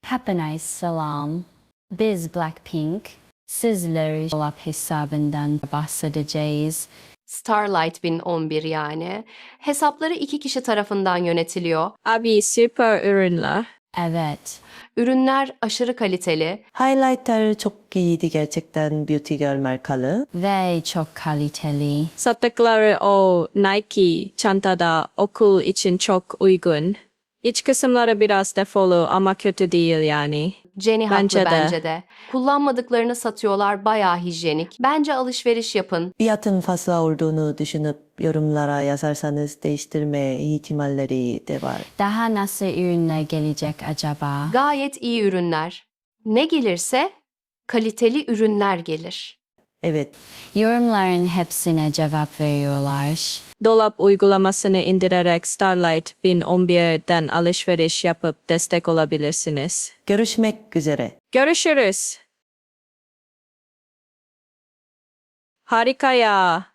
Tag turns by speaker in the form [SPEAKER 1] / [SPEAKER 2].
[SPEAKER 1] Hepinize selam. Biz Blackpink. Sizlere dolap hesabından bahsedeceğiz.
[SPEAKER 2] Starlight 1011 yani. Hesapları 2 kişi tarafından yönetiliyor.
[SPEAKER 3] Abi süper ürünler.
[SPEAKER 1] Evet.
[SPEAKER 2] Ürünler aşırı kaliteli.
[SPEAKER 4] Highlighter çok iyiydi gerçekten Beauty Girl markalı.
[SPEAKER 1] Ve çok kaliteli.
[SPEAKER 3] Sattıkları o Nike çantada okul için çok uygun. İç kısımları biraz defolu ama kötü değil yani.
[SPEAKER 2] Jenny haklı
[SPEAKER 3] Bence de.
[SPEAKER 2] bence de. Kullanmadıklarını satıyorlar, bayağı hijyenik. Bence alışveriş yapın.
[SPEAKER 4] Fiyatın fazla olduğunu düşünüp yorumlara yazarsanız değiştirme ihtimalleri de var.
[SPEAKER 1] Daha nasıl ürünler gelecek acaba?
[SPEAKER 2] Gayet iyi ürünler. Ne gelirse kaliteli ürünler gelir.
[SPEAKER 4] Evet,
[SPEAKER 1] Yorumların hepsine cevap veriyorlar.
[SPEAKER 3] Dolap uygulamasını indirerek Starlight 1011'den alışveriş yapıp destek olabilirsiniz.
[SPEAKER 4] görüşmek üzere.
[SPEAKER 3] Görüşürüz. Harika ya.